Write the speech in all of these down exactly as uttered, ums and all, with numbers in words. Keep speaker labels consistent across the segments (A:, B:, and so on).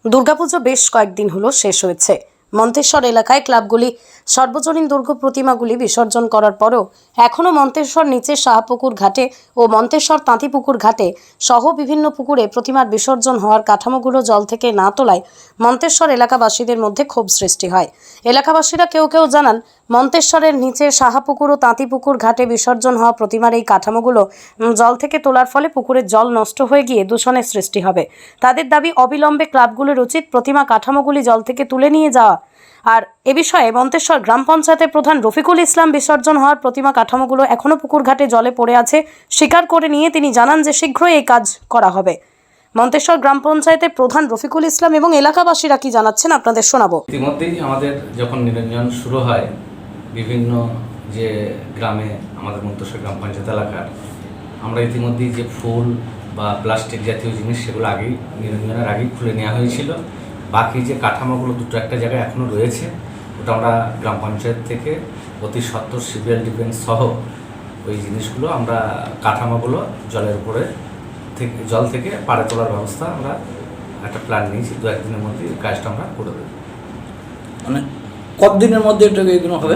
A: দুর্গাপুজো বেশ কয়েকদিন হলো শেষ হয়েছে। মন্তেশ্বর এলাকায় ক্লাবগুলি সর্বজনীন দুর্গা প্রতিমাগুলি বিসর্জন করার পরেও এখনও মন্তেশ্বর নিচে শাহপুকুর ঘাটে ও মন্তেশ্বর তাঁতিপুকুর ঘাটে সহ বিভিন্ন পুকুরে প্রতিমার বিসর্জন হওয়ার কাঠামোগুলো জল থেকে না তোলায় মন্তেশ্বর এলাকাবাসীদের মধ্যে ক্ষোভ সৃষ্টি হয়। এলাকাবাসীরা কেউ কেউ জানান, মন্তেশ্বরের নিচে শাহপুকুর ও তাঁতিপুকুর ঘাটে বিসর্জন হওয়া প্রতিমার এই কাঠামোগুলো জল থেকে তোলার ফলে পুকুরের জল নষ্ট হয়ে গিয়ে দূষণের সৃষ্টি হবে। তাদের দাবি, অবিলম্বে ক্লাবগুলোর উচিত প্রতিমা কাঠামোগুলি জল থেকে তুলে নিয়ে যাওয়া। আর এ বিষয়ে মন্তেশ্বর গ্রাম পঞ্চায়েতের প্রধান রফিকুল ইসলাম বিসর্জন হওয়ার প্রতিমা কাঠামোগুলো এখনও পুকুর ঘাটে জলে পড়ে আছে স্বীকার করে নিয়ে তিনি জানান যে শীঘ্রই এই কাজ করা হবে। মন্তেশ্বর গ্রাম পঞ্চায়েতের প্রধান রফিকুল ইসলাম এবং এলাকাবাসীরা কি জানাচ্ছেন আপনাদের শোনাবো।
B: ইতিমধ্যেই আমাদের যখন নিরঞ্জন শুরু হয় বিভিন্ন যে গ্রামে আমাদের মন্তেশ্বর গ্রাম পঞ্চায়েত এলাকার, আমরা ইতিমধ্যেই যে ফুল বা প্লাস্টিক জাতীয় জিনিস সেগুলো আগেই নিরঞ্জনের আগেই খুলে নেওয়া হয়েছিল। বাকি যে কাঠামোগুলো দুটো একটা জায়গায় এখনও রয়েছে, ওটা আমরা গ্রাম পঞ্চায়েত থেকে অতি সত্বর সিভিল ডিফেন্স সহ ওই জিনিসগুলো আমরা কাঠামোগুলো জলের উপরে থেকে জল থেকে পাড়ে তোলার ব্যবস্থা আমরা একটা প্ল্যান নিয়েছি। দু একদিনের মধ্যে এই কাজটা আমরা করে দেবো।
C: মানে কতদিনের মধ্যে এটা এগুলো হবে?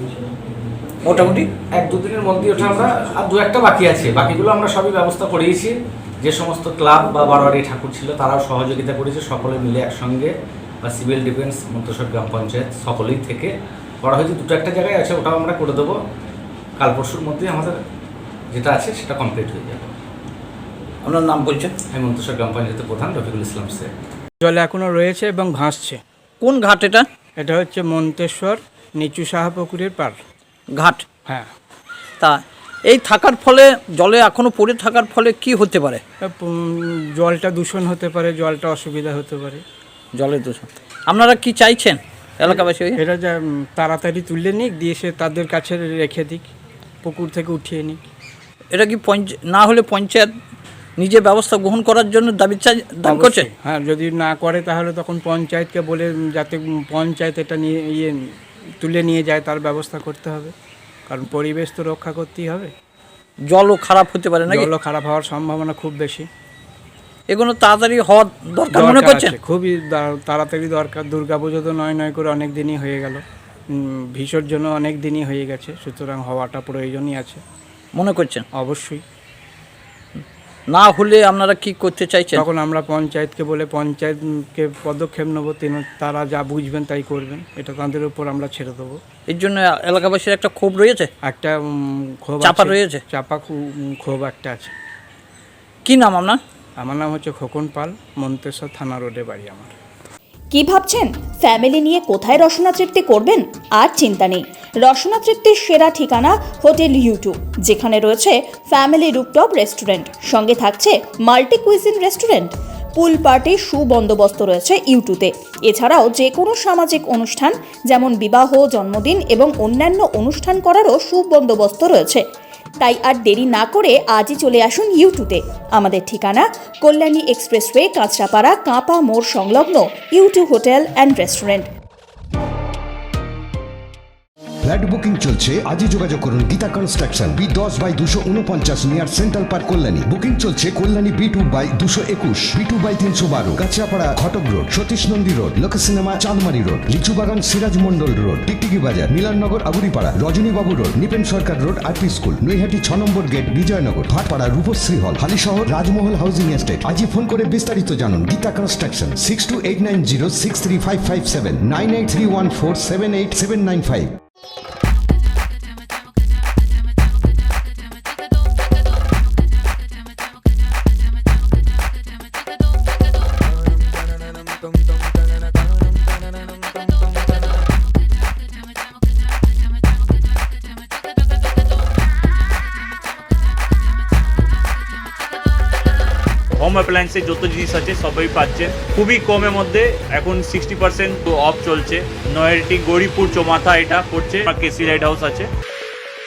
C: মোটামুটি
B: এক দুদিনের মধ্যে ওটা আমরা, আর দু একটা বাকি আছে, বাকিগুলো আমরা সবই ব্যবস্থা করিয়েছি। যে সমস্ত ক্লাব বা বারোয়ারি ঠাকুর ছিল তারাও সহযোগিতা করেছে, সকলে মিলে একসঙ্গে বা সিভিল ডিফেন্স মন্তেশ্বর গ্রাম পঞ্চায়েত সকলেই থেকে করা হয়েছে। দুটো একটা জায়গায় আছে, ওটাও আমরা করে দেবো। কাল পরশুর মধ্যে আমাদের যেটা আছে সেটা কমপ্লিট হয়ে যাবে।
C: আপনার নাম বলছেন?
B: আমি মন্তেশ্বর গ্রাম পঞ্চায়েতের প্রধান রফিকুল ইসলাম স্যার।
D: জলে এখনও রয়েছে এবং ভাসছে।
C: কোন ঘাট এটা?
D: এটা হচ্ছে মন্তেশ্বর নিচু শাহপুকুরের পার
C: ঘাট।
D: হ্যাঁ,
C: তা এই থাকার ফলে, জলে এখনো পড়ে থাকার ফলে কি হতে পারে?
D: উম, জলটা দূষণ হতে পারে, জলটা অসুবিধা হতে পারে।
C: জলের দূষণ আপনারা কি চাইছেন এলাকাবাসী?
D: এটা যা উম, তাড়াতাড়ি তুলে নিক, দিয়ে সে তাদের কাছে রেখে দিক, পুকুর থেকে উঠিয়ে নিক।
C: এটা কি পঞ্চায়েত না হলে পঞ্চায়েত নিজে ব্যবস্থা গ্রহণ করার জন্য দাবি চাই দাবি করছে?
D: হ্যাঁ, যদি না করে তাহলে তখন পঞ্চায়েতকে বলে যাতে পঞ্চায়েত এটা নিয়ে ইয়ে তুলে নিয়ে যায়, তার ব্যবস্থা করতে হবে। কারণ পরিবেশ তো রক্ষা করতেই হবে।
C: জলও খারাপ হতে পারে না?
D: জলও খারাপ হওয়ার সম্ভাবনা খুব বেশি।
C: এগুলো তাড়াতাড়ি হওয়ার দরকার মনে করছেন?
D: খুবই তাড়াতাড়ি দরকার। দুর্গাপুজো তো নয় নয় করে অনেক দিনই হয়ে গেল, বিসর্জনও অনেক দিনই হয়ে গেছে, সুতরাং হওয়াটা প্রয়োজনই আছে
C: মনে করছেন?
D: অবশ্যই।
C: না হলে আপনারা কি করতে চাইছেন?
D: তখন আমরা পঞ্চায়েতকে বলে পঞ্চায়েতকে পদক্ষেপ নেবো, তারা যা বুঝবেন তাই করবেন, এটা তাদের উপর আমরা ছেড়ে দেবো।
C: এর জন্য এলাকাবাসীর একটা ক্ষোভ রয়েছে,
D: একটা ক্ষোভ
C: চাপা রয়েছে,
D: চাপা ক্ষোভ একটা আছে।
C: কি নাম আপনার?
D: আমার নাম হচ্ছে খোকন পাল, মন্তেশ্বর থানা রোডে বাড়ি আমার।
E: কি ভাবছেন ফ্যামিলি নিয়ে কোথায় রসনা তৃপ্তি করবেন? আর চিন্তা নেই, রসনা তৃপ্তির সেরা ঠিকানা হোটেল ইউটু, যেখানে রয়েছে ফ্যামিলি রুফটপ রেস্টুরেন্ট, সঙ্গে থাকছে মাল্টি কুইজিন রেস্টুরেন্ট। পুল পার্টির সুবন্দোবস্ত রয়েছে ইউটুতে। এছাড়াও যে কোনো সামাজিক অনুষ্ঠান যেমন বিবাহ, জন্মদিন এবং অন্যান্য অনুষ্ঠান করারও সুবন্দোবস্ত রয়েছে। তাই আর দেরি না করে আজই চলে আসুন ইউটুতে। আমাদের ঠিকানা কল্যাণী এক্সপ্রেসওয়ে, কাঁচরাপাড়া, কাঁপা মোড় সংলগ্ন U two hotel and restaurant.
F: Flat booking চলছে, আজই যোগাযোগ করুন গীতা কনস্ট্রাকশন, বি দশ বাই দুশো উনপঞ্চাশ near central park Kalyani. Booking চলছে কল্যাণী বি টু বাই দুশো একুশ, বি টু বাই তিনশো বারো, Kanchrapara Ghatak road, Satish Nandi road, Lok cinema Chandmari road, Lichubagan Siraj Mondal road, Tiktiki Bazar, Milannagar Aburipara, Rajanibabu road, Nipen Sarkar road, RP school, Naihati ছ number gate, Bijaynagar, Bhatpara, Rupashree hall, Halishahar, Rajmahal housing estate. আজই ফোন করে বিস্তারিত জানুন। Geeta construction, six two eight nine zero six three five five seven, nine eight three one four seven eight seven nine five.
G: Home অ্যাপ্লায়েন্সে যত জিনিস আছে সবই পাচ্ছেন খুবই কমের মধ্যে। এখন সিক্সটি পার্সেন্ট অফ চলছে। নয়ারটি গৌরীপুর চৌমাথা এটা পড়ছে, কেসি লাইট হাউস আছে।